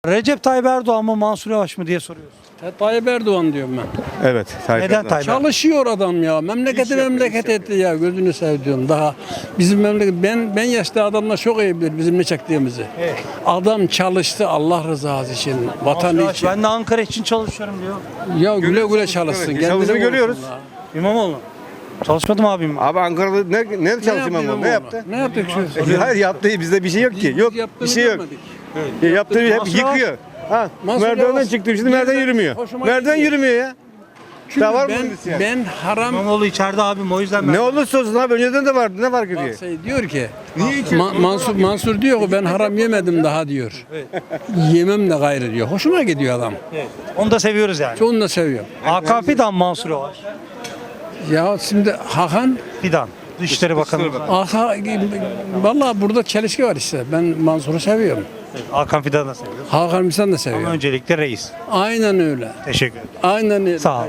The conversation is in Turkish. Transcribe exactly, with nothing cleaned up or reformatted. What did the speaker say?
Recep Tayyip Erdoğan mı Mansur Yavaş mı diye soruyoruz. Tayyip Erdoğan diyorum ben. Evet. Tayyip Neden Erdoğan. Tayyip Erdoğan? Çalışıyor adam ya. Memleketi memleket etti ya. Gözünü sevdiğim daha. Bizim memleket ben ben yaşlı adamlar çok iyi bilir bizim ne çektiğimizi. Evet. Adam çalıştı Allah rızası için, Mansur vatan Yavaş, için. ben de Ankara için çalışıyorum diyor. Ya güle güle çalışsın. Evet, kendine çalıştığını vursun görüyoruz. la. İmamoğlu. Çalışmadım abim. Abi Ankara'da ne, ne çalıştı yaptı İmamoğlu? Ne İmamoğlu? yaptı? Ne yaptık şu? Hayır yaptığı bizde bir şey yok ki. Biz Yok bir yaptığını şey yok. görmedik. Ya yaptığı hep Mansur Yavaş- yıkıyor. Ha, Mansur merdivenden Yavaş- çıktım şimdi merdiven Yerden yürümüyor. hoşuma Merdiven gidiyor. yürümüyor ya. Çünkü Daha var mı ben, bunun isyan? ben haram İmamoğlu içeride abim o yüzden ben. Ne olursa olsun abi önceden de vardı. Ne fark ediyor? şey diyor ki Ma- Mansur Mansur diyor ki ben haram yemedim daha diyor. Yemem de gayrı diyor. Hoşuma gidiyor adam. Evet. Onu da seviyoruz yani. Onu da seviyorum. Hakan Fidan, Mansur Yavaş. Ya şimdi Hakan Fidan. Dışişleri Bakanı. Aha, vallahi burada çelişki var işte. Ben Mansur'u seviyorum. Evet, Hakan Fidan'ı da seviyoruz. Hakan Misal da Ama seviyorum. öncelikle reis. Aynen öyle. Teşekkür ederim. Aynen öyle. Sağ ol.